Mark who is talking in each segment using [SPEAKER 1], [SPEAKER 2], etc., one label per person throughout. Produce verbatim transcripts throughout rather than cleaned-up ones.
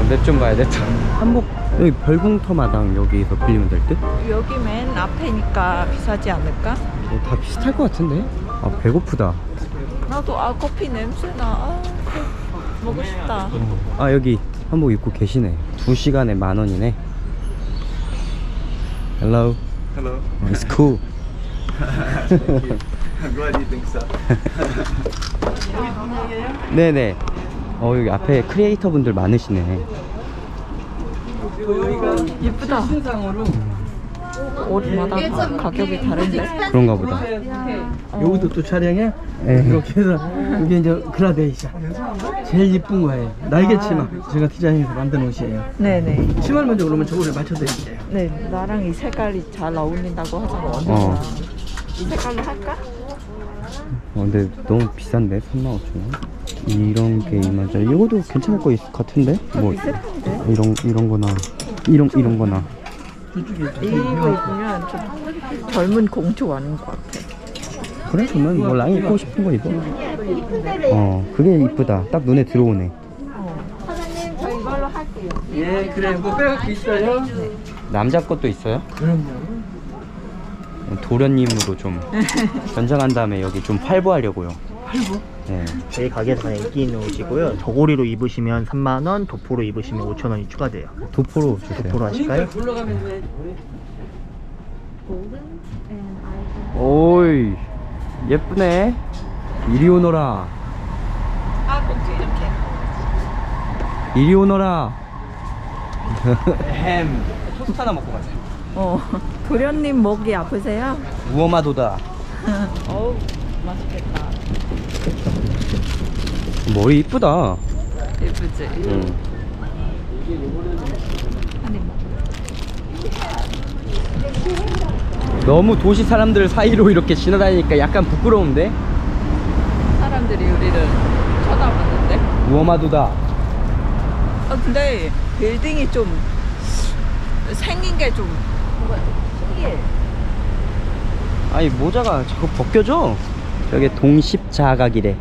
[SPEAKER 1] 랩 좀 봐야 돼. 한복 여기 별궁터 마당 여기서 빌리면 될 듯?
[SPEAKER 2] 여기 맨 앞에니까 비싸지 않을까?
[SPEAKER 1] 어, 다 비슷할 것 같은데? 아 배고프다.
[SPEAKER 2] 나도 아 커피 냄새나. 아, 먹고 싶다.
[SPEAKER 1] 어. 아 여기 한복 입고 계시네. 두 시간에 만 원이네. Hello.
[SPEAKER 3] Hello.
[SPEAKER 1] Oh, it's cool.
[SPEAKER 3] I'm glad you think so.
[SPEAKER 1] 네네. 어 여기 앞에 크리에이터 분들 많으시네.
[SPEAKER 2] 예쁘다. 옷마다 가격이 다른데?
[SPEAKER 1] 그런가 보다.
[SPEAKER 4] 여기도 또 촬영해?
[SPEAKER 1] 네.
[SPEAKER 4] 이렇게 해서 이게 이제 그라데이션 제일 이쁜 거예요. 날개치마 제가 디자인해서 만든 옷이에요.
[SPEAKER 2] 네네.
[SPEAKER 4] 치마를 먼저 그러면 저거를 맞춰드릴게요.
[SPEAKER 2] 네, 나랑 이 색깔이 잘 어울린다고 하잖아.
[SPEAKER 1] 어.
[SPEAKER 2] 이 색깔로 할까?
[SPEAKER 1] 어, 근데 너무 비싼데? 삼만 오천 원? 이런 게 이만 원짜리. 이것도 괜찮을 것 있- 같은데? 뭐
[SPEAKER 2] 비슷한데?
[SPEAKER 1] 이런 이런 거나 이런 이런 거나.
[SPEAKER 4] 저쪽에
[SPEAKER 2] 이거 입으면 좀 젊은 공주 아닌 것 같아.
[SPEAKER 1] 그래? 그러면 뭐 랑이 입고 싶은 거 입어. 어 그게 이쁘다. 딱 눈에 들어오네.
[SPEAKER 2] 사장님, 저 이걸로 할게요.
[SPEAKER 4] 예 그래 뭐 빼갖고 있어요?
[SPEAKER 1] 남자 것도 있어요?
[SPEAKER 4] 그럼요.
[SPEAKER 1] 도련님으로 좀 변장한 다음에 여기 좀 활보하려고요.
[SPEAKER 4] 팔고
[SPEAKER 1] 네.
[SPEAKER 5] 저희 가게에서 가장 인기 있는 옷이고요. 저고리로 입으시면 삼만 원, 도포로 입으시면 오천 원이 추가돼요.
[SPEAKER 1] 도포로 주세요.
[SPEAKER 5] 도포로 하실까요?
[SPEAKER 4] 굴러가면 돼.
[SPEAKER 1] 오이 예쁘네. 이리 오너라.
[SPEAKER 2] 아, 공주 이렇게.
[SPEAKER 1] 이리 오너라. 햄. 토스트 하나 먹고 가자.
[SPEAKER 2] 어, 도련님 목이 아프세요?
[SPEAKER 1] 우어마도다.
[SPEAKER 2] 어우, 맛있겠다.
[SPEAKER 1] 머리 이쁘다.
[SPEAKER 2] 예쁘지?
[SPEAKER 1] 응.
[SPEAKER 2] 한입 먹어.
[SPEAKER 1] 너무 도시 사람들 사이로 이렇게 지나다니니까 약간 부끄러운데?
[SPEAKER 2] 사람들이 우리를 쳐다봤는데?
[SPEAKER 1] 우어마도다.
[SPEAKER 2] 아, 근데 빌딩이 좀 생긴 게 좀 신기해.
[SPEAKER 1] 아니 모자가 자꾸 벗겨져. 저게 동십자각이래.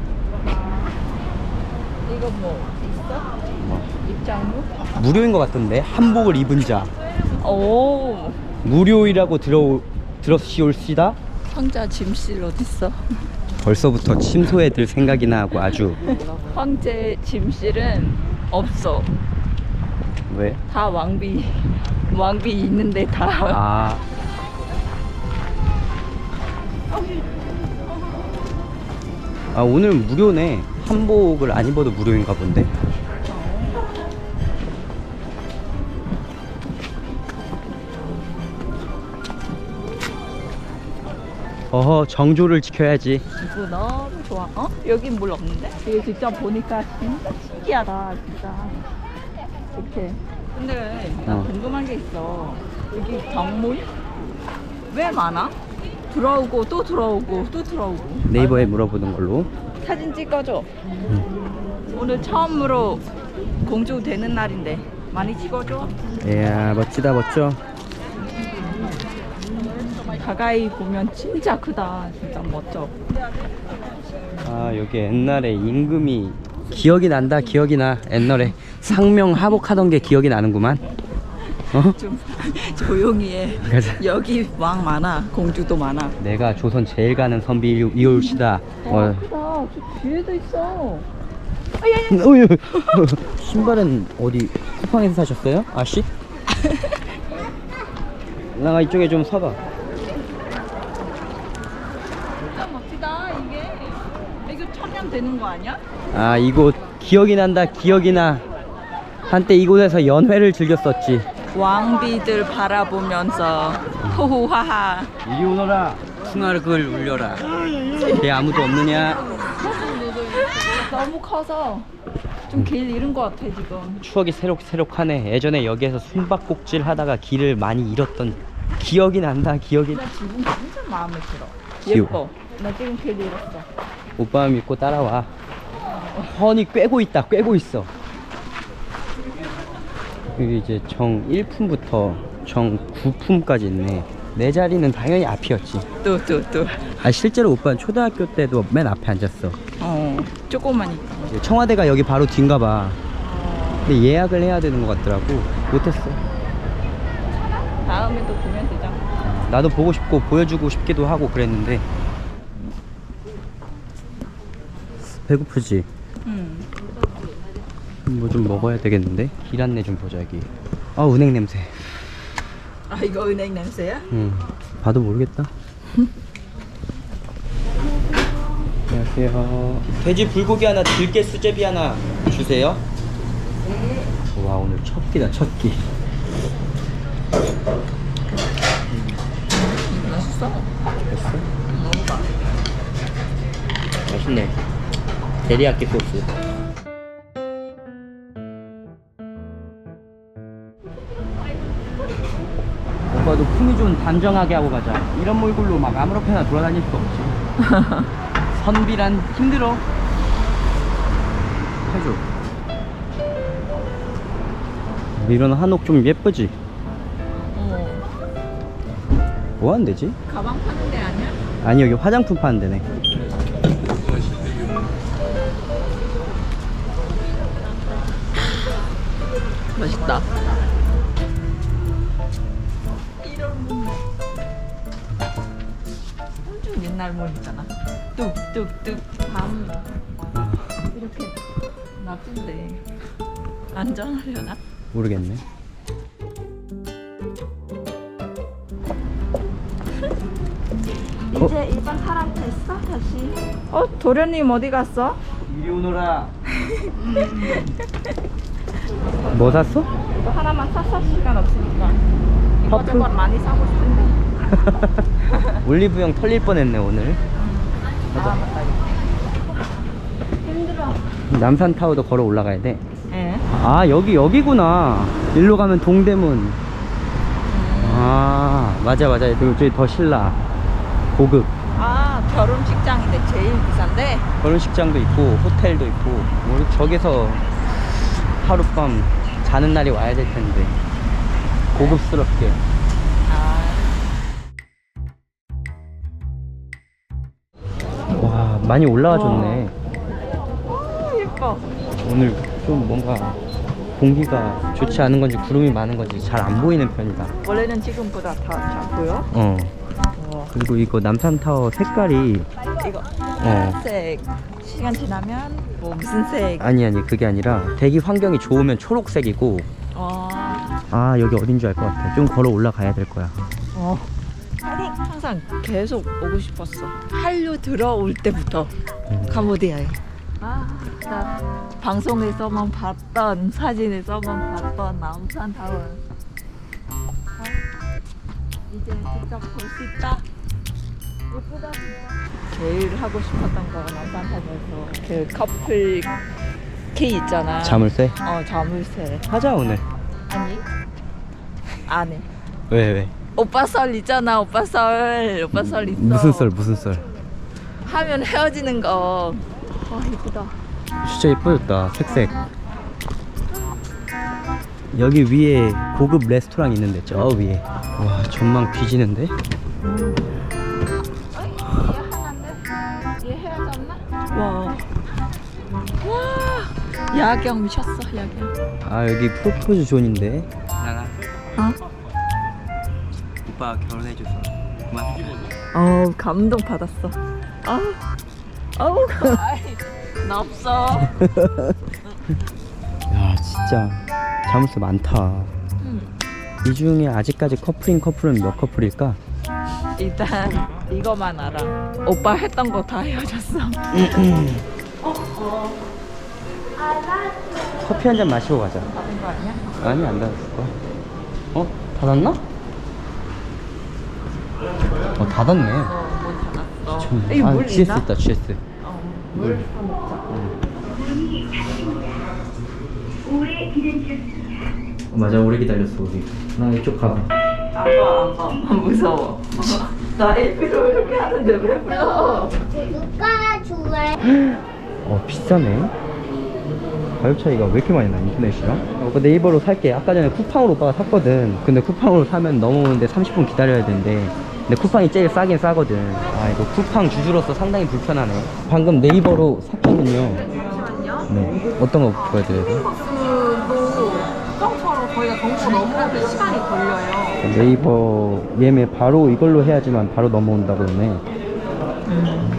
[SPEAKER 2] 이거 뭐 있어?
[SPEAKER 1] 뭐.
[SPEAKER 2] 입장료?
[SPEAKER 1] 무료인 것 같던데. 한복을 입은 자
[SPEAKER 2] 오,
[SPEAKER 1] 무료이라고 들어 들었시올시다.
[SPEAKER 2] 황자 짐실 어딨어?
[SPEAKER 1] 벌써부터 침소에 들 생각이나 하고 아주.
[SPEAKER 2] 황제 짐실은 없어.
[SPEAKER 1] 왜?
[SPEAKER 2] 다 왕비 왕비 있는데 다.
[SPEAKER 1] 아 아 오늘 무료네. 한복을 안 입어도 무료인가 본데. 어허 정조를 지켜야지.
[SPEAKER 2] 이거 너무 좋아. 어? 여긴 물 없는데? 이거 직접 보니까 진짜 신기하다, 진짜. 이렇게. 근데 나
[SPEAKER 1] 어.
[SPEAKER 2] 궁금한 게 있어. 여기 정문 왜 많아? 들어오고 또 들어오고 또 들어오고.
[SPEAKER 1] 네이버에 물어보는 걸로.
[SPEAKER 2] 사진 찍어줘. 오늘 처음으로 공주 되는 날인데 많이 찍어줘.
[SPEAKER 1] 이야 멋지다 멋져.
[SPEAKER 2] 가까이 보면 진짜 크다. 진짜 멋져.
[SPEAKER 1] 아 여기 옛날에 임금이 기억이 난다. 기억이 나. 옛날에 상명 하복하던 게 기억이 나는구만. 어?
[SPEAKER 2] 좀 조용히 해.
[SPEAKER 1] 가자.
[SPEAKER 2] 여기 왕 많아. 공주도 많아.
[SPEAKER 1] 내가 조선 제일 가는 선비 이올시다. 어.
[SPEAKER 2] 크다. 저 뒤에도 있어.
[SPEAKER 1] 어휴. 신발은 어디 쿠팡에서 사셨어요? 아씨? 나가 이쪽에 좀 서봐.
[SPEAKER 2] 진짜 멋지다. 이게 이거 천년 되는 거 아니야?
[SPEAKER 1] 아 이곳 기억이 난다. 기억이 나. 한때 이곳에서 연회를 즐겼었지.
[SPEAKER 2] 왕비들 바라보면서 호호하하.
[SPEAKER 1] 이리 오너라. 풍악을 울려라. 걔 아무도 없느냐?
[SPEAKER 2] 너무 커서 좀 길 잃은 것 같아 지금.
[SPEAKER 1] 추억이 새록새록하네. 예전에 여기에서 숨바꼭질 하다가 길을 많이 잃었던 기억이 난다. 기억이.
[SPEAKER 2] 나 지금 진짜 마음에 들어.
[SPEAKER 1] 귀여워.
[SPEAKER 2] 예뻐. 나 지금 길 잃었어.
[SPEAKER 1] 오빠 믿고 따라와. 훤히 꿰고 있다. 꿰고 있어. 여기 이제 정 일 품부터 정 구 품까지 있네. 내 자리는 당연히 앞이었지.
[SPEAKER 2] 또 또 또.
[SPEAKER 1] 아 실제로 오빠는 초등학교 때도 맨 앞에 앉았어.
[SPEAKER 2] 어, 조금만 있다.
[SPEAKER 1] 청와대가 여기 바로 뒤인가 봐. 근데 예약을 해야 되는 것 같더라고. 못했어.
[SPEAKER 2] 다음에 또 보면 되잖아.
[SPEAKER 1] 나도 보고 싶고 보여주고 싶기도 하고 그랬는데. 배고프지?
[SPEAKER 2] 응.
[SPEAKER 1] 뭐 좀 먹어야 되겠는데? 길 안내 좀 보자 여기. 아 은행 냄새.
[SPEAKER 2] 아 이거 은행 냄새야?
[SPEAKER 1] 응. 봐도 모르겠다. 안녕하세요. 돼지 불고기 하나, 들깨 수제비 하나 주세요. 네. 와 오늘 첫 끼다 첫 끼.
[SPEAKER 2] 맛있어.
[SPEAKER 1] 됐어?
[SPEAKER 2] 먹어봐.
[SPEAKER 1] 맛있네. 데리야끼 소스. 오빠도 품위 좀 단정하게 하고 가자. 이런 몰골로 막 아무렇게나 돌아다닐 수 없지. 선비란 힘들어. 해줘. 이런 한옥 좀 예쁘지?
[SPEAKER 2] 어.
[SPEAKER 1] 뭐 하는 데지?
[SPEAKER 2] 가방 파는 데 아니야?
[SPEAKER 1] 아니 여기 화장품 파는 데네.
[SPEAKER 2] 맛있다. 엄청 옛날 문 있잖아. 뚝뚝뚝 밤 이렇게 놔둔데 안전하려나?
[SPEAKER 1] 모르겠네.
[SPEAKER 2] 이제 일반 사람 됐어 다시. 어 도련님 어디 갔어?
[SPEAKER 1] 이리 오너라. 뭐 샀어?
[SPEAKER 2] 이거 하나만 샀어 시간 없으니까.
[SPEAKER 1] 퍼플?
[SPEAKER 2] 이것저것 많이 사고 싶은데.
[SPEAKER 1] 올리브영 털릴 뻔했네 오늘.
[SPEAKER 2] 아 맞다. 힘들어.
[SPEAKER 1] 남산타워도 걸어 올라가야 돼.
[SPEAKER 2] 예.
[SPEAKER 1] 아 여기 여기구나. 일로 가면 동대문. 아 맞아 맞아. 그리고 저기 더 신라 고급
[SPEAKER 2] 아 결혼식장인데 제일 비싼데.
[SPEAKER 1] 결혼식장도 있고 호텔도 있고. 우리 저기서 하룻밤 자는 날이 와야 될 텐데 고급스럽게.
[SPEAKER 2] 아.
[SPEAKER 1] 와 많이 올라와줬네.
[SPEAKER 2] 오, 예뻐.
[SPEAKER 1] 오늘 좀 뭔가 공기가 좋지 않은 건지 구름이 많은 건지 잘 안 보이는 편이다.
[SPEAKER 2] 원래는 지금보다 더 잘 보여?
[SPEAKER 1] 어.
[SPEAKER 2] 어.
[SPEAKER 1] 그리고 이거 남산타워 색깔이
[SPEAKER 2] 이거 파란색 시간 지나면 뭐 무슨 색?
[SPEAKER 1] 아니 아니 그게 아니라 대기 환경이 좋으면 초록색이고.
[SPEAKER 2] 어.
[SPEAKER 1] 아 여기 어딘 줄 알 것 같아. 좀 걸어 올라가야 될 거야.
[SPEAKER 2] 어. 파이팅! 항상 계속 오고 싶었어. 한류 들어올 때부터
[SPEAKER 1] 음.
[SPEAKER 2] 캄보디아에. 아, 나 방송에서만 봤던 사진에서만 봤던 남산타워. 아, 이제 직접 볼 수 있다. 예쁘다 진짜. 제일 하고 싶었던 거 남산타워에서 그 커플 케이 있잖아.
[SPEAKER 1] 자물쇠?
[SPEAKER 2] 어 자물쇠.
[SPEAKER 1] 하자 오늘.
[SPEAKER 2] 아니 안 해.
[SPEAKER 1] 왜 왜?
[SPEAKER 2] 오빠 썰 있잖아. 오빠 썰. 오빠 썰 있어.
[SPEAKER 1] 무슨 썰 무슨 썰?
[SPEAKER 2] 하면 헤어지는 거. 아 예쁘다.
[SPEAKER 1] 진짜 예뻐졌다. 색색. 여기 위에 고급 레스토랑 있는데 저 위에. 와 전망 뒤지는데?
[SPEAKER 2] 음. 어이, 얘 하나인데? 얘 헤어졌나? 와. 와. 야경 미쳤어 야경.
[SPEAKER 1] 아 여기 프로포즈 존인데. 나가.
[SPEAKER 2] 어?
[SPEAKER 1] 오빠 결혼해줘서 고맙다.
[SPEAKER 2] 어우 감동 받았어. 아. 어우 아이, 나 없어.
[SPEAKER 1] 야 진짜 자물쇠 많다.
[SPEAKER 2] 음.
[SPEAKER 1] 이 중에 아직까지 커플인 커플은 몇 커플일까?
[SPEAKER 2] 일단 이거만 알아. 오빠 했던 거 다 헤어졌어.
[SPEAKER 1] 커피 한 잔 마시고 가자.
[SPEAKER 2] 받은 거 아니야?
[SPEAKER 1] 아니 안 닫았을 거야. 어? 닫았나? 어 닫았네.
[SPEAKER 2] 어, 못 닫았어.
[SPEAKER 1] 좀-
[SPEAKER 2] 이거
[SPEAKER 1] 아
[SPEAKER 2] 물
[SPEAKER 1] 지에스
[SPEAKER 2] 있나?
[SPEAKER 1] 있다 지에스.
[SPEAKER 2] 어, 물 사먹자.
[SPEAKER 1] 맞아 오래 기다렸어 우리. 나 이쪽 가봐.
[SPEAKER 2] 아빠 아빠 무서워. 나 일부러 이렇게 하는데 왜 불러?
[SPEAKER 3] 누가 좋아해?
[SPEAKER 1] 어 비싸네. 가격 차이가 왜 이렇게 많이 나 인터넷이랑? 어, 그 네이버로 살게. 아까 전에 쿠팡으로 오빠가 샀거든. 근데 쿠팡으로 사면 넘어오는데 삼십 분 기다려야 되는데 근데 쿠팡이 제일 싸긴 싸거든. 아 이거 쿠팡 주주로서 상당히 불편하네. 방금 네이버로 샀거든요.
[SPEAKER 2] 잠시만요.
[SPEAKER 1] 네 어떤 거 보여드려야 돼?
[SPEAKER 2] 그 거기가 정보 넘어오는 시간이 걸려요.
[SPEAKER 1] 네이버 예매 바로 이걸로 해야지만 바로 넘어온다고 그러네. 음.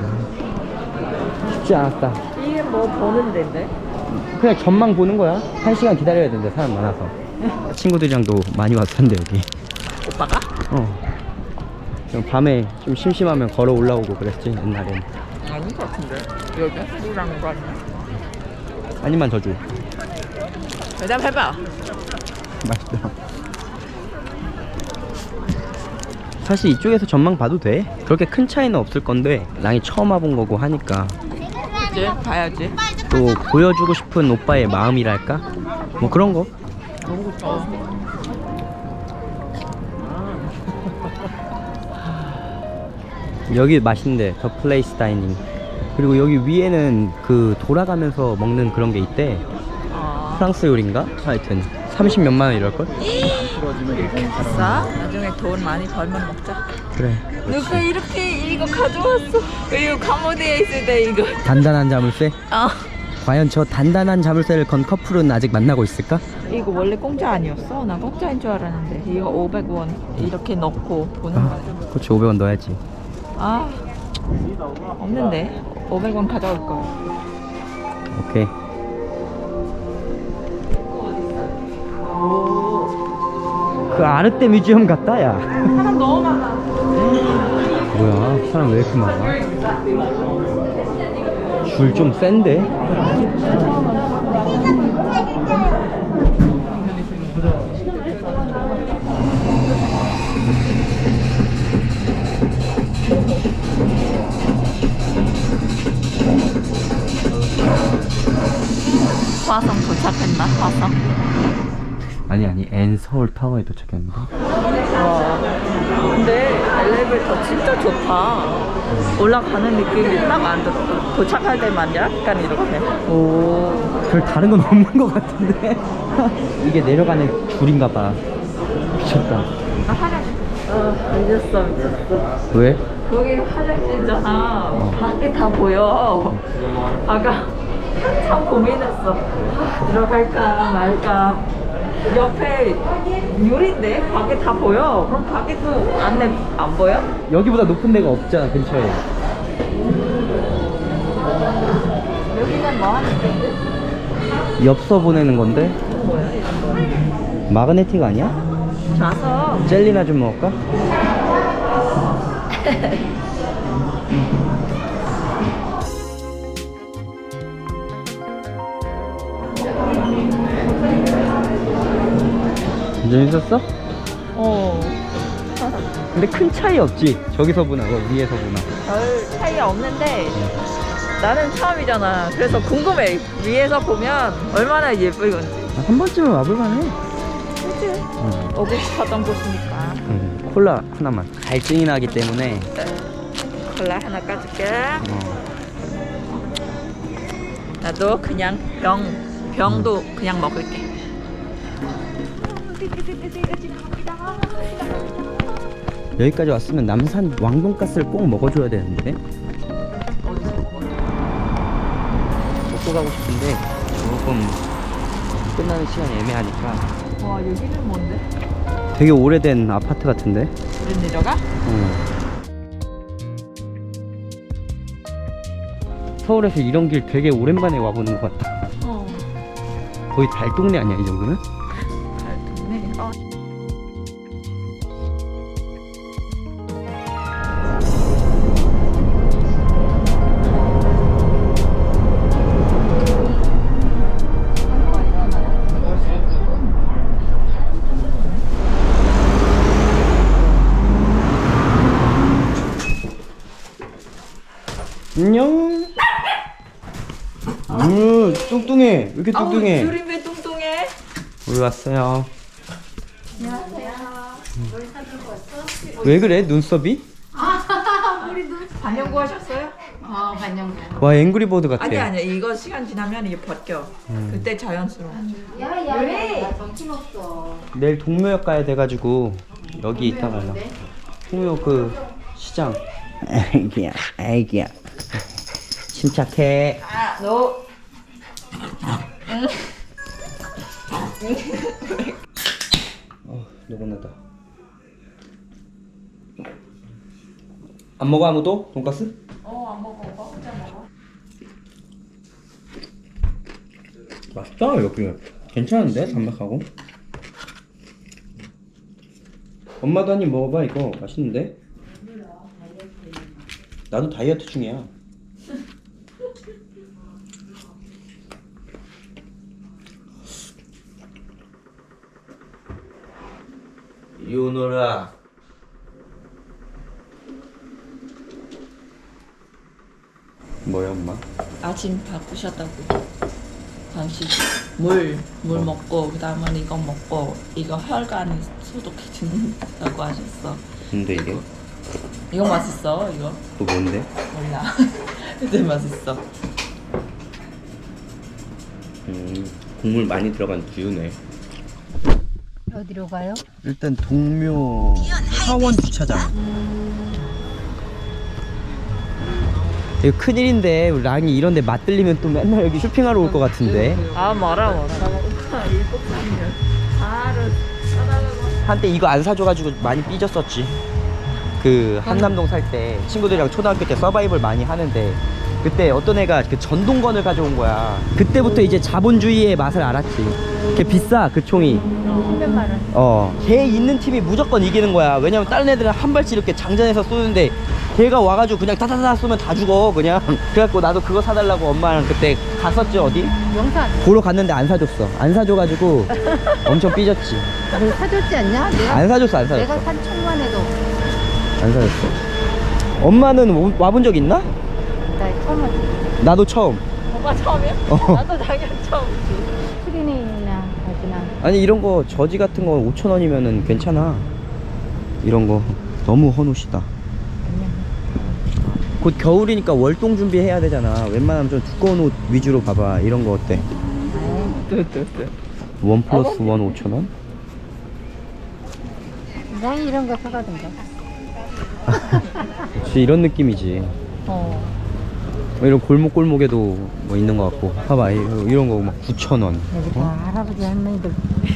[SPEAKER 1] 쉽지 않았다.
[SPEAKER 2] 이게 뭐 보는 데인데?
[SPEAKER 1] 그냥 전망 보는 거야. 한 시간 기다려야 된대, 사람 많아서. 친구들이랑도 많이 왔던데 여기.
[SPEAKER 2] 오빠가?
[SPEAKER 1] 어. 그럼 밤에 좀 심심하면 걸어 올라오고 그랬지, 옛날엔.
[SPEAKER 2] 아닌 것 같은데. 여기 누구랑 거 아니야?
[SPEAKER 1] 아니만 더 줘.
[SPEAKER 2] 대답해봐.
[SPEAKER 1] 맛있다. 사실 이쪽에서 전망 봐도 돼. 그렇게 큰 차이는 없을 건데 랑이 처음 와본 거고 하니까
[SPEAKER 2] 그치? 봐야지.
[SPEAKER 1] 또 보여주고 싶은 오빠의 마음이랄까? 뭐 그런 거. 여기 맛있는데 더 플레이스 다이닝. 그리고 여기 위에는 그 돌아가면서 먹는 그런 게 있대.
[SPEAKER 2] 어.
[SPEAKER 1] 프랑스 요리인가? 하여튼 삼십 몇만 원 이럴걸?
[SPEAKER 2] 싸? 나중에 돈 많이 벌면 먹자.
[SPEAKER 1] 그래.
[SPEAKER 2] 누가 이렇게 이거 가져왔어? 이거 카모디에 있을 때 이거.
[SPEAKER 1] 단단한 자물쇠?
[SPEAKER 2] 어.
[SPEAKER 1] 과연 저 단단한 자물쇠를 건 커플은 아직 만나고 있을까?
[SPEAKER 2] 이거 원래 공짜 아니었어? 나 공짜인 줄 알았는데 이거 오백 원 이렇게 넣고 보는
[SPEAKER 1] 아,
[SPEAKER 2] 거야.
[SPEAKER 1] 그렇지. 오백 원 넣어야지.
[SPEAKER 2] 아 없는데 오백 원 가져올 거야.
[SPEAKER 1] 오케이. 그 아르떼 뮤지엄 같다, 야.
[SPEAKER 2] 사람 너무 많아.
[SPEAKER 1] 뭐야, 사람 왜 이렇게 많아? 줄 좀 센데?
[SPEAKER 2] 화성 도착했나? 화성?
[SPEAKER 1] 아니 아니 엔 서울 타워에 도착했는데.
[SPEAKER 2] 와 근데 엘리베이터 진짜 좋다. 올라가는 느낌이 딱 안 들어. 도착할 때만 약간 이렇게. 오.
[SPEAKER 1] 별 다른 건 없는 것 같은데. 이게 내려가는 줄인가 봐. 미쳤다.
[SPEAKER 2] 나 화장실. 어 늦었어 늦었어.
[SPEAKER 1] 왜?
[SPEAKER 2] 거기 화장실이잖아. 밖에 다 보여. 아까 한참 고민했어. 아, 들어갈까 말까. 옆에 유리인데 밖에 다 보여. 그럼 밖에도 안내 안 보여?
[SPEAKER 1] 여기보다 높은 데가 없잖아 근처에.
[SPEAKER 2] 여기는 뭐 하는 데인데?
[SPEAKER 1] 엽서 보내는 건데.
[SPEAKER 2] 뭐야?
[SPEAKER 1] 마그네틱 아니야?
[SPEAKER 2] 자서
[SPEAKER 1] 젤리나 좀 먹을까? 재밌었어?
[SPEAKER 2] 어.
[SPEAKER 1] 근데 큰 차이 없지? 저기서 보나 뭐 위에서 보나.
[SPEAKER 2] 별 차이가 없는데 나는 처음이잖아. 그래서 궁금해. 위에서 보면 얼마나 예쁠 건지.
[SPEAKER 1] 한 번쯤은 와볼만해.
[SPEAKER 2] 그치?
[SPEAKER 1] 응.
[SPEAKER 2] 오고 싶었던 곳이니까.
[SPEAKER 1] 응. 콜라 하나만. 갈증이 나기 때문에.
[SPEAKER 2] 콜라 하나 까줄게.
[SPEAKER 1] 어.
[SPEAKER 2] 나도 그냥 병, 병도 그냥 먹을게.
[SPEAKER 1] 여기까지 왔으면 남산 왕돈가스를 꼭 먹어줘야 되는데.
[SPEAKER 2] 어디서 먹어?
[SPEAKER 1] 먹고 가고 싶은데 조금 끝나는 시간이 애매하니까.
[SPEAKER 2] 와 여기는 뭔데?
[SPEAKER 1] 되게 오래된 아파트 같은데.
[SPEAKER 2] 우리 내려가?
[SPEAKER 1] 어. 서울에서 이런 길 되게 오랜만에 와보는 것 같다.
[SPEAKER 2] 어.
[SPEAKER 1] 거의 달동네 아니야 이 정도면?
[SPEAKER 2] 잘 듣네. 어.
[SPEAKER 1] 안녕. 음, 뚱뚱해. 왜 이렇게 뚱뚱해?
[SPEAKER 2] 아우, 줄이 왜 뚱뚱해?
[SPEAKER 1] 우리 왔어요. 왜 그래 눈썹이?
[SPEAKER 2] 반영구 하셨어요?
[SPEAKER 3] 어, 반영구.
[SPEAKER 1] 와 앵그리버드 같아.
[SPEAKER 2] 아니 아니 이거 시간 지나면 이게 벗겨.
[SPEAKER 1] 음.
[SPEAKER 2] 그때 자연스러워.
[SPEAKER 3] 야, 야, 야, 야, 정신없어.
[SPEAKER 1] 내일 동묘역 가야 돼가지고 여기 있다 갈라. 동묘 그 시장. 애기야, 애기야. 침착해.
[SPEAKER 2] 아, 너. 응.
[SPEAKER 1] 누구나다. 안 먹어 아무도? 돈까스?
[SPEAKER 2] 어, 안 먹어. 오빠 혼자 먹어.
[SPEAKER 1] 맛있다 여기. 괜찮은데 담백하고. 엄마도 한 입 먹어봐 이거 맛있는데? 나도 다이어트 중이야. 이리 오너라. 뭐야 엄마?
[SPEAKER 2] 아침 바꾸셨다고. 당신 물, 물
[SPEAKER 1] 어.
[SPEAKER 2] 먹고 그다음에 이거 먹고 이거 혈관 소독해 준다고 하셨어.
[SPEAKER 1] 근데 이게
[SPEAKER 2] 이거 맛있어 이거?
[SPEAKER 1] 또 뭔데?
[SPEAKER 2] 몰라. 근데 맛있어.
[SPEAKER 1] 음 국물 많이 들어간 두유네.
[SPEAKER 3] 어디로 가요?
[SPEAKER 1] 일단 동묘 하원 주차장. 이거 큰일인데 우리 랑이 이런데 맛들리면 또 맨날 여기 쇼핑하러 올 것 같은데.
[SPEAKER 2] 아 말아 말아. 오빠 일곱 살이면 바로 사달라고.
[SPEAKER 1] 한때 이거 안 사줘가지고 많이 삐졌었지. 그 한남동 살 때 친구들이랑 초등학교 때 서바이벌 많이 하는데 그때 어떤 애가 그 전동건을 가져온 거야. 그때부터 이제 자본주의의 맛을 알았지. 걔 비싸 그 총이.
[SPEAKER 3] 삼백만 원.
[SPEAKER 1] 어, 걔 있는 팀이 무조건 이기는 거야. 왜냐면 다른 애들은 한 발씩 이렇게 장전해서 쏘는데 걔가 와가지고 그냥 타타타 쏘면 다 죽어 그냥. 그래갖고 나도 그거 사달라고 엄마랑 그때 갔었지 어디?
[SPEAKER 3] 영산.
[SPEAKER 1] 보러 갔는데 안 사줬어. 안 사줘가지고 엄청 삐졌지.
[SPEAKER 3] 내가 사줬지 않냐? 내가
[SPEAKER 1] 안 사줬어 안 사줬어.
[SPEAKER 3] 내가 산 천만에도
[SPEAKER 1] 안 사줬어. 엄마는 오- 와본 적 있나?
[SPEAKER 3] 나 처음 왔지.
[SPEAKER 1] 나도 처음.
[SPEAKER 2] 오빠 처음이야?
[SPEAKER 1] 어.
[SPEAKER 2] 나도 당연히 처음이지.
[SPEAKER 3] 트리닝이나 하지나.
[SPEAKER 1] 아니 이런 거 저지 같은 거 오천 원이면은 괜찮아. 이런 거 너무 헌옷이다. 곧 겨울이니까 월동 준비해야 되잖아. 웬만하면 좀 두꺼운 옷 위주로 봐봐. 이런 거 어때? 원 플러스 원 오천 원?
[SPEAKER 3] 나 이런 거 사가던가.
[SPEAKER 1] 그치 이런 느낌이지.
[SPEAKER 3] 어.
[SPEAKER 1] 뭐 이런 골목골목에도 뭐 있는 거 같고. 봐봐 이- 이런 거 막 구천 원.
[SPEAKER 3] 여기 다 할아버지 할머니들.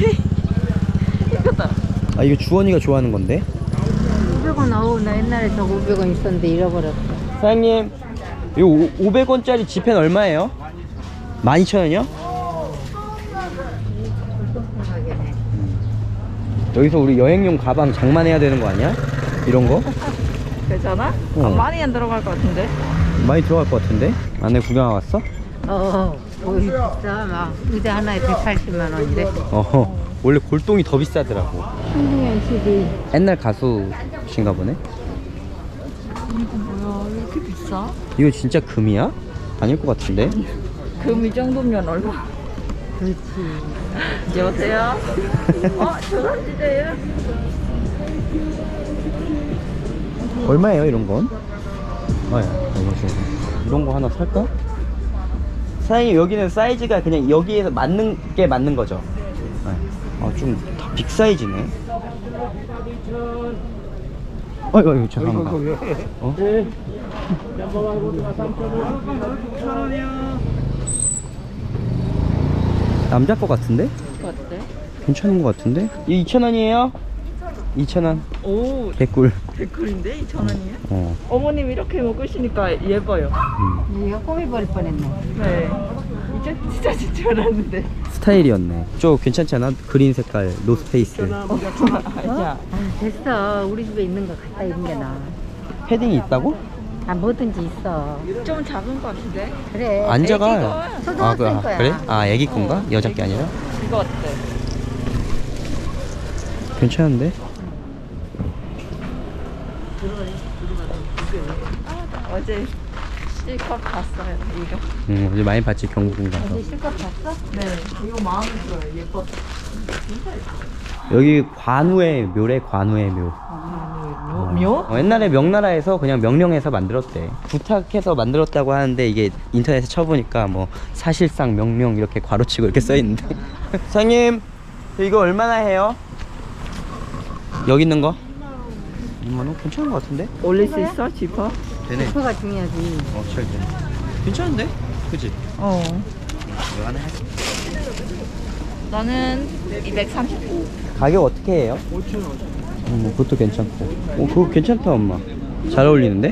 [SPEAKER 1] 아 이거 주원이가 좋아하는 건데?
[SPEAKER 3] 오백 원. 어우 나 옛날에 저거 오백 원 있었는데 잃어버렸어.
[SPEAKER 1] 사장님 이거 오백 원짜리 지폐는 얼마예요? 만 이천 원이요? 여기서 우리 여행용 가방 장만해야 되는 거 아니야? 이런 거?
[SPEAKER 2] 괜찮아?
[SPEAKER 1] 어.
[SPEAKER 2] 아, 많이 안 들어갈 것 같은데.
[SPEAKER 1] 많이 들어갈 것 같은데? 안에 구경 왔어?
[SPEAKER 3] 어. 오 비싸. 막 의자 하나에 백팔십만 원이래.
[SPEAKER 1] 어 원래 골동이 더 비싸더라고.
[SPEAKER 3] 신동현 씨디.
[SPEAKER 1] 옛날 가수신가 보네.
[SPEAKER 2] 뭐야 왜 이렇게 비싸?
[SPEAKER 1] 이거 진짜 금이야? 아닐 것 같은데?
[SPEAKER 2] 금 이 정도면 얼마?
[SPEAKER 3] 그렇지.
[SPEAKER 2] 여보세요? 어? 조선지대요?
[SPEAKER 1] 얼마예요 이런 건? 아, 이런 거 하나 살까? 사장님 여기는 사이즈가 그냥 여기에서 맞는 게 맞는 거죠? 아 좀 다 빅 사이즈네. 어이구 어이구 죄송합니다. 어? 남자 거 같은데?
[SPEAKER 2] 어때?
[SPEAKER 1] 괜찮은 거 같은데? 이 이천 원이에요? 이천 원.
[SPEAKER 2] 오
[SPEAKER 1] 개꿀.
[SPEAKER 2] 백불인데 이천 원이야?
[SPEAKER 1] 어.
[SPEAKER 2] 어머님 이렇게 먹으시니까 예뻐요.
[SPEAKER 1] 음.
[SPEAKER 3] 얘가 꼬미버릴 뻔했네.
[SPEAKER 2] 네. 이제 진짜 진짜 알았는데.
[SPEAKER 1] 스타일이었네. 저 괜찮잖아. 그린 색깔 노스페이스.
[SPEAKER 2] 야,
[SPEAKER 3] 아, 됐어. 우리 집에 있는 거 갖다 입는 게 나아.
[SPEAKER 1] 패딩이 있다고?
[SPEAKER 3] 아, 뭐든지 있어.
[SPEAKER 2] 좀 작은 것 같은데?
[SPEAKER 3] 그래.
[SPEAKER 1] 안자가.
[SPEAKER 3] 애기가 초등학생
[SPEAKER 1] 아, 그,
[SPEAKER 3] 거야.
[SPEAKER 1] 그래? 아 애기 건가?
[SPEAKER 2] 어.
[SPEAKER 1] 여자 게 아니라?
[SPEAKER 2] 이거 어때?
[SPEAKER 1] 괜찮은데?
[SPEAKER 2] 어제 실컷 봤어요 이거.
[SPEAKER 1] 응 어제 많이 봤지 경복궁 가서.
[SPEAKER 3] 어제 실컷 봤어?
[SPEAKER 2] 네. 이거 마음에 들어요. 예뻐.
[SPEAKER 1] 여기 관우의 묘래 관우의 묘.
[SPEAKER 2] 묘?
[SPEAKER 1] 어, 옛날에 명나라에서 그냥 명령해서 만들었대. 부탁해서 만들었다고 하는데 이게 인터넷에 쳐보니까 뭐 사실상 명령 이렇게 괄호치고 이렇게 써있는데. 사장님 이거 얼마나 해요? 여기 있는 거? 이만 원? 괜찮은 거 같은데?
[SPEAKER 2] 올릴 수 있어? 지퍼?
[SPEAKER 1] 되네.
[SPEAKER 3] 지퍼가 중요하지.
[SPEAKER 1] 어, 잘 돼. 괜찮은데? 그치?
[SPEAKER 2] 어.
[SPEAKER 1] 이거 하나 할게.
[SPEAKER 2] 나는 이백삼십오.
[SPEAKER 1] 가격 어떻게 해요?
[SPEAKER 4] 오천 원.
[SPEAKER 1] 음, 그것도 괜찮고. 오, 그거 괜찮다, 엄마. 잘 어울리는데?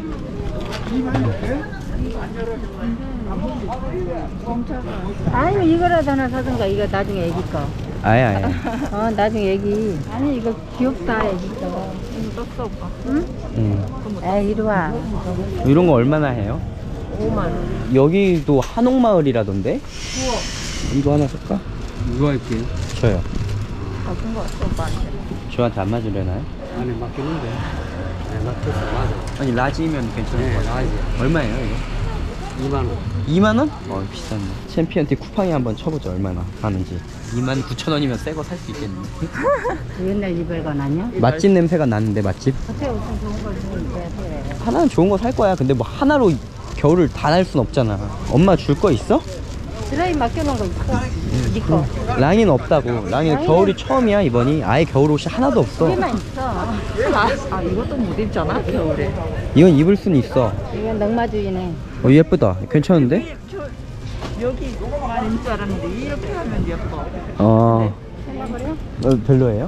[SPEAKER 3] 아니면 이거라도 하나 사든가. 이거 나중에 애기 거.
[SPEAKER 1] 아예, 아예.
[SPEAKER 3] 어 나중에 애기. 아니 이거 귀엽다 애기 거.
[SPEAKER 2] 떴어 오빠.
[SPEAKER 3] 응?
[SPEAKER 1] 음.
[SPEAKER 3] 에이 이리 와.
[SPEAKER 1] 이런 거 얼마나 해요?
[SPEAKER 2] 오만 원.
[SPEAKER 1] 여기도 한옥마을이라던데? 이거 하나 살까?
[SPEAKER 4] 이거 할게요.
[SPEAKER 1] 저요.
[SPEAKER 2] 같은 거 같아 오빠한테.
[SPEAKER 1] 저한테 안 맞으려나요?
[SPEAKER 4] 안에 맡기는데. 네, 맡겼어. 맞아.
[SPEAKER 1] 아니, 라지면 괜찮을 것 같아요.
[SPEAKER 4] 라지.
[SPEAKER 1] 얼마예요, 이거?
[SPEAKER 4] 이만 원.
[SPEAKER 1] 이만 원? 어, 비쌌네. 챔피언티 쿠팡이 한번 쳐보자, 얼마나 하는지. 이만 구천 원이면 새 거 살 수 있겠네.
[SPEAKER 3] 옛날 이별관 아니야?
[SPEAKER 1] 맛집 냄새가 나는데, 맛집?
[SPEAKER 3] 호텔 옷은 좋은 걸 주면 돼.
[SPEAKER 1] 하나는 좋은 거 살 거야. 근데 뭐 하나로 겨울을 다 날 순 없잖아. 엄마 줄 거 있어?
[SPEAKER 3] 드라이 맡겨놓은 거 있어. 네 거.
[SPEAKER 1] 랑이는 없다고. 랑이는
[SPEAKER 3] 랑이는-
[SPEAKER 1] 겨울이 처음이야, 이번이. 아예 겨울 옷이 하나도 없어.
[SPEAKER 3] 여기만 있어.
[SPEAKER 2] 아, 아 이것도 못 입잖아 겨울에.
[SPEAKER 1] 이건 입을 순 있어.
[SPEAKER 3] 이건 넉마주의네.
[SPEAKER 1] 어, 예쁘다. 괜찮은데?
[SPEAKER 2] 저 여기만 입줄 알았는데 이렇게 하면 예뻐.
[SPEAKER 1] 어,
[SPEAKER 3] 생각을 해?
[SPEAKER 1] 어 별로예요?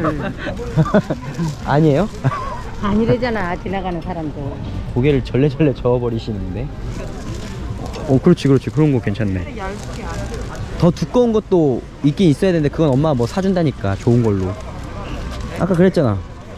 [SPEAKER 1] 아니에요?
[SPEAKER 3] 아니래잖아 지나가는 사람들.
[SPEAKER 1] 고개를 절레절레 저어버리시는데. 어, 그렇지, 그렇지. 그런 거 괜찮네.
[SPEAKER 2] 얇게 안 돼.
[SPEAKER 1] 더 두꺼운 것도 있긴 있어야 되는데, 그건 엄마가 뭐 사준다니까, 좋은 걸로. 아까 그랬잖아.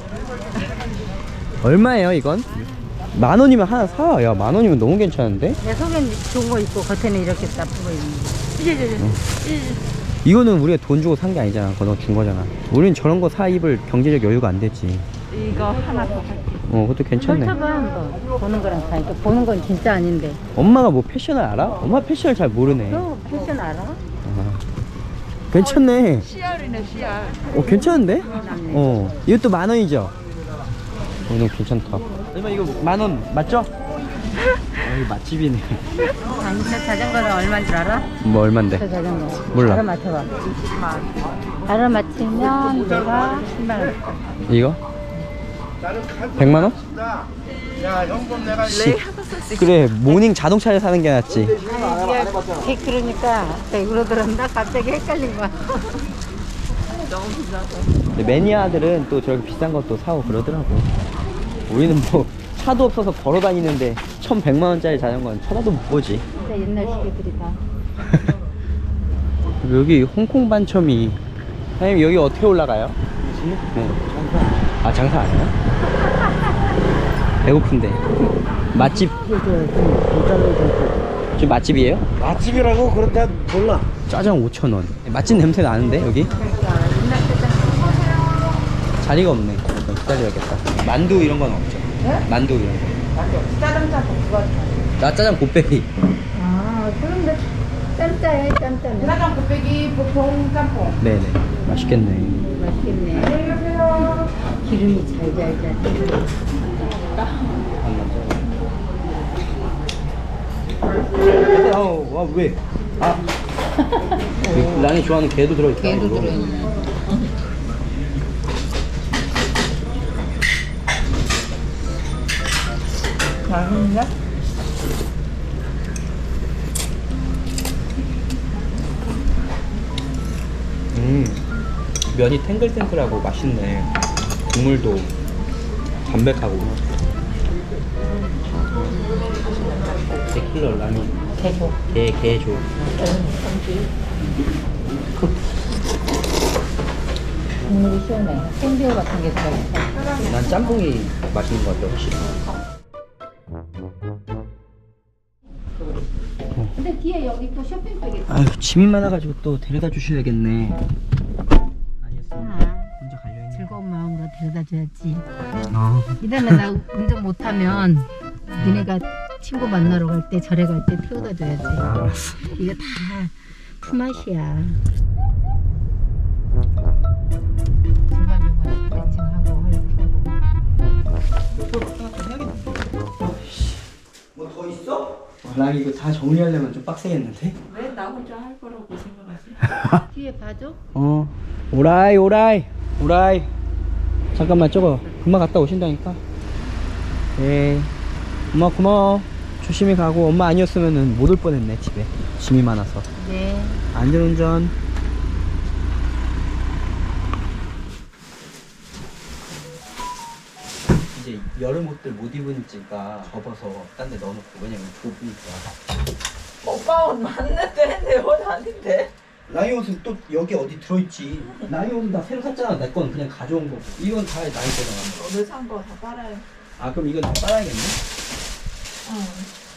[SPEAKER 1] 얼마예요, 이건? 만 원이면 하나 사. 야, 만 원이면 너무 괜찮은데?
[SPEAKER 3] 내 속엔 좋은 거 있고 겉에는 이렇게 나쁜 거 있는 거.
[SPEAKER 2] 이제 이제 이제.
[SPEAKER 1] 이거는 우리가 돈 주고 산 게 아니잖아. 그거 준 거잖아. 우린 저런 거 사 입을 경제적 여유가 안 되지.
[SPEAKER 2] 이거 하나 더 할게.
[SPEAKER 1] 어, 그것도 괜찮네.
[SPEAKER 3] 펼쳐봐 한번. 보는 거랑 다니까 보는 건 진짜 아닌데.
[SPEAKER 1] 엄마가 뭐 패션을 알아? 엄마 패션을 잘 모르네.
[SPEAKER 3] 너 패션 알아?
[SPEAKER 1] 아, 괜찮네.
[SPEAKER 2] 씨알이네 씨알.
[SPEAKER 1] 어, 괜찮은데? 어, 이것도 만 원이죠? 어, 너무 괜찮다. 얼마 이거 만 원 맞죠? 어, 이거 맛집이네.
[SPEAKER 3] 아니 저 자전거는 얼마인 줄 알아?
[SPEAKER 1] 뭐
[SPEAKER 3] 저
[SPEAKER 1] 얼만데?
[SPEAKER 3] 자전거.
[SPEAKER 1] 몰라.
[SPEAKER 3] 알아맞혀봐. 알아맞히면 내가 십만 원.
[SPEAKER 1] 이거? 백만 원? 씨, 그래, 모닝 자동차를 사는 게 낫지.
[SPEAKER 3] 이게 그러니까 백으로 들었나 갑자기 헷갈린 거야.
[SPEAKER 2] 너무 비싸서.
[SPEAKER 1] 근데 매니아들은 또 저렇게 비싼 것도 사고 그러더라고. 우리는 뭐 차도 없어서 걸어 다니는데 천백만 원짜리 자전거는 쳐다도 못 보지.
[SPEAKER 3] 진짜 옛날 시계들이 다.
[SPEAKER 1] 여기 홍콩 반첨이. 사장님, 여기 어떻게 올라가요? 네. 아, 장사 안 해요? 배고픈데. 맛집. 지금 맛집이에요?
[SPEAKER 4] 맛집이라고 그런데 몰라.
[SPEAKER 1] 짜장 오천 원. 맛집 냄새 나는데, 여기? 자리가 없네. 일단 기다려야겠다. 만두 이런 건 없죠?
[SPEAKER 3] 네?
[SPEAKER 1] 만두 이런 거. 짜장 짬뽕 그거. 나 짜장 곱빼기.
[SPEAKER 3] 아 그런데 짬짜해 짬짜네. 짜장 곱빼기 보통 짬뽕.
[SPEAKER 1] 네네. 맛있겠네.
[SPEAKER 3] 맛있겠네. 기름이 잘잘잘.
[SPEAKER 1] 어, 와, 왜? 아. 랑이 좋아하는 게도 들어있다.
[SPEAKER 3] 게도
[SPEAKER 1] 이거.
[SPEAKER 3] 들어있네.
[SPEAKER 2] 맛있네.
[SPEAKER 1] 음, 면이 탱글탱글하고 맛있네. 국물도 담백하고. 데킬러 라면.
[SPEAKER 3] 개조.
[SPEAKER 1] 게, 게조.
[SPEAKER 3] 국물이 시원해. 생새우 같은 게 들어있어.
[SPEAKER 1] 난 짬뽕이 맛있는 것 같아, 확실히.
[SPEAKER 3] 근데 뒤에 여기 또 쇼핑백이 있어.
[SPEAKER 1] 아유, 짐이 많아가지고 또 데려다 주셔야겠네. 아니었으면 혼자 가려했네.
[SPEAKER 3] 즐거운 마음으로 데려다 줘야지.
[SPEAKER 1] 아,
[SPEAKER 3] 이다음에 나 운전 못하면 니네가 친구 만나러 갈 때 절에 갈 때 태워다 줘야지.
[SPEAKER 1] 알았어.
[SPEAKER 3] 이거 다 품맛이야. 중간중간 스트레칭하고 헐크하고.
[SPEAKER 1] 뭐 더 있어? 랑 이거 다 정리하려면 좀 빡세겠는데?
[SPEAKER 2] 왜 나 혼자 할 거라고 생각하지?
[SPEAKER 3] 뒤에 봐줘.
[SPEAKER 1] 어, 오라이 오라이 오라이. 잠깐만, 저거 금방 갔다 오신다니까. 예, 엄마 고마워. 조심히 가고. 엄마 아니었으면은 못 올 뻔했네. 집에 짐이 많아서.
[SPEAKER 3] 네.
[SPEAKER 1] 안전운전. 이제 여름 옷들 못 입으니까 접어서 딴 데 넣어놓고 왜냐면 좁으니까.
[SPEAKER 2] 오빠 옷 맞는데 내 옷 아닌데?
[SPEAKER 1] 나이 옷은 또 여기 어디 들어있지. 나이 옷은 다 새로 샀잖아. 내 건 그냥 가져온 거고. 이건 다 나이 때가
[SPEAKER 2] 오늘 산 거 다 빨아요.
[SPEAKER 1] 아 그럼 이건 다 빨아야겠네?
[SPEAKER 2] 응.